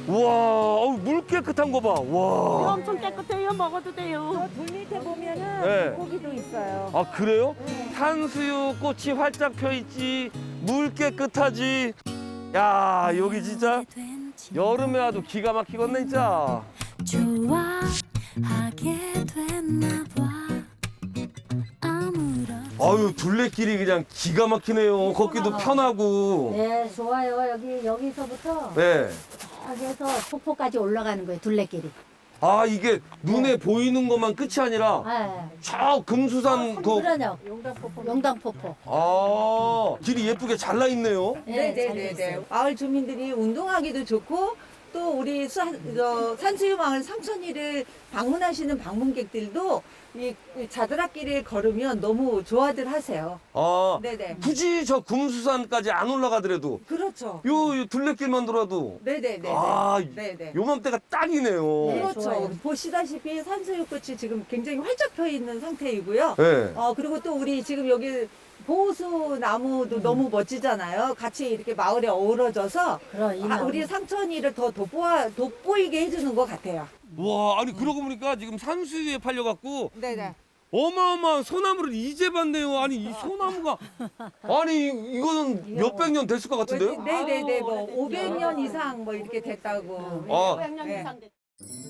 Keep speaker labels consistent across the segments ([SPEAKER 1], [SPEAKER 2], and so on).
[SPEAKER 1] 우와, 물 깨끗한 거 봐. 와.
[SPEAKER 2] 엄청 깨끗해요. 먹어도 돼요.
[SPEAKER 3] 저 돌 밑에 보면은
[SPEAKER 1] 네.
[SPEAKER 3] 물고기도 있어요.
[SPEAKER 1] 아, 그래요? 산수유 꽃이 활짝 펴 있지. 물 깨끗하지. 야, 여기 진짜 여름에 와도 기가 막히겠네, 진짜.
[SPEAKER 4] 좋아하게 됐나 봐. 아무런
[SPEAKER 1] 아유, 둘레길이 그냥 기가 막히네요. 걷기도 편하고.
[SPEAKER 3] 네, 좋아요. 여기서부터
[SPEAKER 1] 네.
[SPEAKER 3] 딱 해서 폭포까지 올라가는 거예요. 둘레길이.
[SPEAKER 1] 아, 이게 눈에 보이는 것만 끝이 아니라
[SPEAKER 3] 네.
[SPEAKER 1] 저 금수산 그
[SPEAKER 3] 그러냐? 용당폭포.
[SPEAKER 1] 아, 길이 예쁘게 잘라 있네요.
[SPEAKER 3] 네, 잘 돼
[SPEAKER 5] 네네네.
[SPEAKER 3] 있어요.
[SPEAKER 5] 마을 주민들이 운동하기도 좋고 또 우리 산수유 마을 상천리를 방문하시는 방문객들도 이 자드락길을 걸으면 너무 좋아들 하세요.
[SPEAKER 1] 아,
[SPEAKER 5] 네네.
[SPEAKER 1] 굳이 저 금수산까지 안 올라가더라도
[SPEAKER 5] 그렇죠.
[SPEAKER 1] 요 둘레길만 돌아도
[SPEAKER 5] 네네네.
[SPEAKER 1] 아,
[SPEAKER 5] 네네.
[SPEAKER 1] 요맘때가 딱이네요.
[SPEAKER 3] 네.
[SPEAKER 5] 그렇죠.
[SPEAKER 3] 좋아요.
[SPEAKER 5] 보시다시피 산수유꽃이 지금 굉장히 활짝 펴 있는 상태이고요.
[SPEAKER 1] 네.
[SPEAKER 5] 그리고 또 우리 지금 여기 보호수 나무도 너무 멋지잖아요. 같이 이렇게 마을에 어우러져서
[SPEAKER 3] 그럼 이
[SPEAKER 5] 우리 상천리를 더 돋보이게 해주는 것 같아요.
[SPEAKER 1] 와, 아니 그러고 보니까 지금 산수유에 팔려갖고
[SPEAKER 5] 네네.
[SPEAKER 1] 어마어마한 소나무를 이제 봤네요. 아니 이 소나무가 아니 이거는 몇백 년 됐을 것 같은데요?
[SPEAKER 5] 네네네. 뭐 500년 이상 뭐 이렇게 됐다고.
[SPEAKER 1] 아,
[SPEAKER 2] 500년
[SPEAKER 5] 네.
[SPEAKER 2] 이상 됐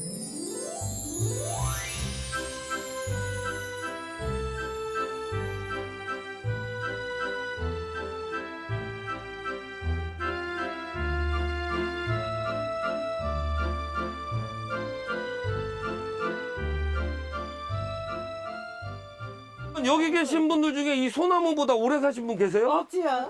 [SPEAKER 1] 여기 계신 분들 중에 이 소나무보다 오래 사신 분 계세요?
[SPEAKER 5] 없지요.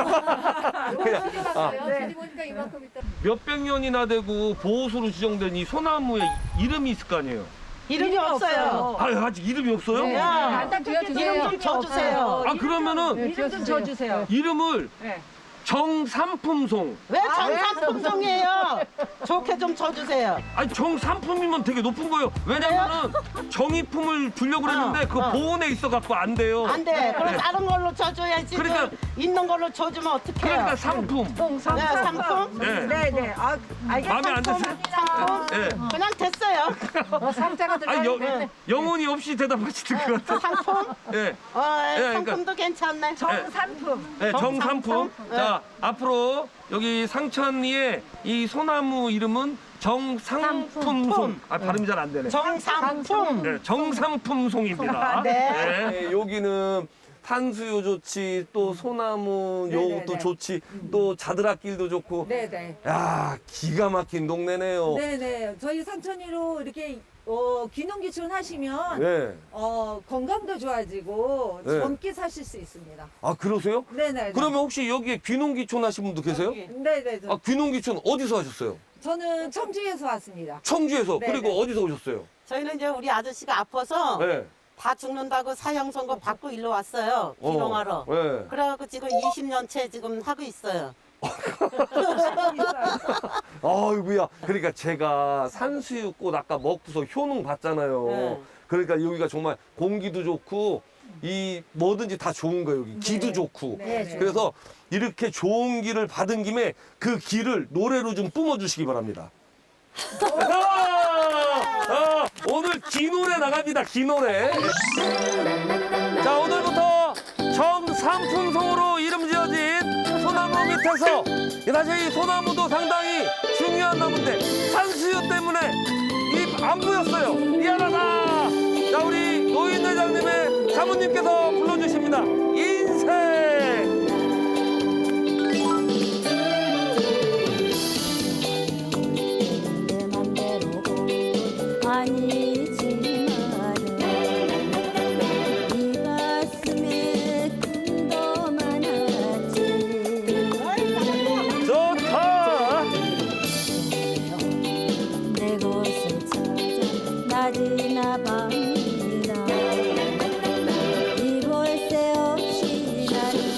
[SPEAKER 1] 몇백 년이나 되고 보호수로 지정된 이 소나무에 이름이 있을 거 아니에요?
[SPEAKER 6] 이름이 없어요.
[SPEAKER 1] 아, 아직 이름이 없어요?
[SPEAKER 6] 이름 좀 줘주세요.
[SPEAKER 1] 아, 그러면은
[SPEAKER 6] 이름 좀 줘주세요.
[SPEAKER 1] 이름을 정삼품송.
[SPEAKER 6] 왜 정상품종이에요? 좋게 좀 줘주세요.
[SPEAKER 1] 아니 정삼품이면 되게 높은 거예요. 왜냐면은 정의품을 주려고 그랬는데 그 보온에 있어갖고 안 돼요.
[SPEAKER 6] 안 돼. 그럼
[SPEAKER 1] 네.
[SPEAKER 6] 다른 걸로 줘줘야지.
[SPEAKER 1] 그러니까-
[SPEAKER 6] 있는 걸로 줘주면 어떡해요?
[SPEAKER 1] 그러니까 상품.
[SPEAKER 6] 네, 상품?
[SPEAKER 1] 네.
[SPEAKER 5] 네네.
[SPEAKER 1] 마음에 안 드세요?
[SPEAKER 6] 상품?
[SPEAKER 1] 네.
[SPEAKER 6] 그냥 됐어요.
[SPEAKER 5] 상자가
[SPEAKER 1] 아니 영혼이 없이 대답하시는 것 같아요.
[SPEAKER 6] 상품?
[SPEAKER 1] 예.
[SPEAKER 6] 상품도
[SPEAKER 1] 그러니까-
[SPEAKER 6] 괜찮네.
[SPEAKER 5] 정상품.
[SPEAKER 1] 네, 정삼품.
[SPEAKER 6] 네.
[SPEAKER 1] 자, 앞으로 여기 상천리의 이 소나무 이름은 정상품송. 아, 발음이 잘 안 되네.
[SPEAKER 6] 정상품.
[SPEAKER 1] 네, 정상품송입니다.
[SPEAKER 6] 네.
[SPEAKER 1] 여기는 산수유 좋지, 또 소나무
[SPEAKER 5] 네네네.
[SPEAKER 1] 요것도 좋지, 또 자드락길도 좋고.
[SPEAKER 5] 네네.
[SPEAKER 1] 야, 기가 막힌 동네네요.
[SPEAKER 5] 네네. 저희 상천리로 이렇게 귀농귀촌 하시면
[SPEAKER 1] 네.
[SPEAKER 5] 건강도 좋아지고
[SPEAKER 1] 네.
[SPEAKER 5] 젊게 사실 수 있습니다.
[SPEAKER 1] 아, 그러세요?
[SPEAKER 5] 네네.
[SPEAKER 1] 그러면 혹시 여기에 귀농귀촌 하신 분도 계세요?
[SPEAKER 5] 네네.
[SPEAKER 1] 아, 귀농귀촌 어디서 하셨어요?
[SPEAKER 5] 저는 청주에서 왔습니다.
[SPEAKER 1] 청주에서.
[SPEAKER 5] 네네.
[SPEAKER 1] 그리고 어디서 오셨어요?
[SPEAKER 6] 저희는 이제 우리 아저씨가 아파서
[SPEAKER 1] 네.
[SPEAKER 6] 다 죽는다고 사형 선고 받고 일로 왔어요. 기농하러.
[SPEAKER 1] 네.
[SPEAKER 6] 그래갖고 지금 20년째 지금 하고 있어요.
[SPEAKER 1] 아이고야. 그러니까 제가 산수유꽃 아까 먹고서 효능 봤잖아요.
[SPEAKER 6] 네.
[SPEAKER 1] 그러니까 여기가 정말 공기도 좋고 이 뭐든지 다 좋은 거예요. 여기 기도 좋고.
[SPEAKER 5] 네.
[SPEAKER 1] 그래서 이렇게 좋은 길을 받은 김에 그 길을 노래로 좀 뿜어주시기 바랍니다. 오늘 기 노래 나갑니다. 기 노래. 자, 오늘부터 정삼품송으로 이름 지어진 소나무 밑에서 사실 이 소나무도 상당히 중요한 나무인데 산수유 때문에 입 안 보였어요. 미안하다. 자, 우리 노인 회장님의 사모님께서 불러주십니다. 인생.
[SPEAKER 4] 내 맘대로 아니지만 네 가슴에 꿈도 많았지.
[SPEAKER 1] 좋다.
[SPEAKER 4] 내 곳을 찾아 낮이나 밤이나 이볼 새 없이 나는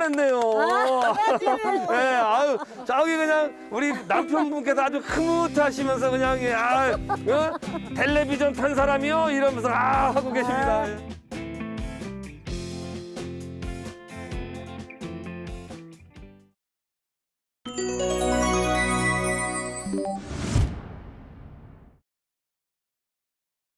[SPEAKER 1] 잘했네요. 예, 아유, 저기 그냥 우리 남편분께서 아주 흐뭇하시면서 그냥 텔레비전 탄 사람이요 이러면서 하고 계십니다. 예.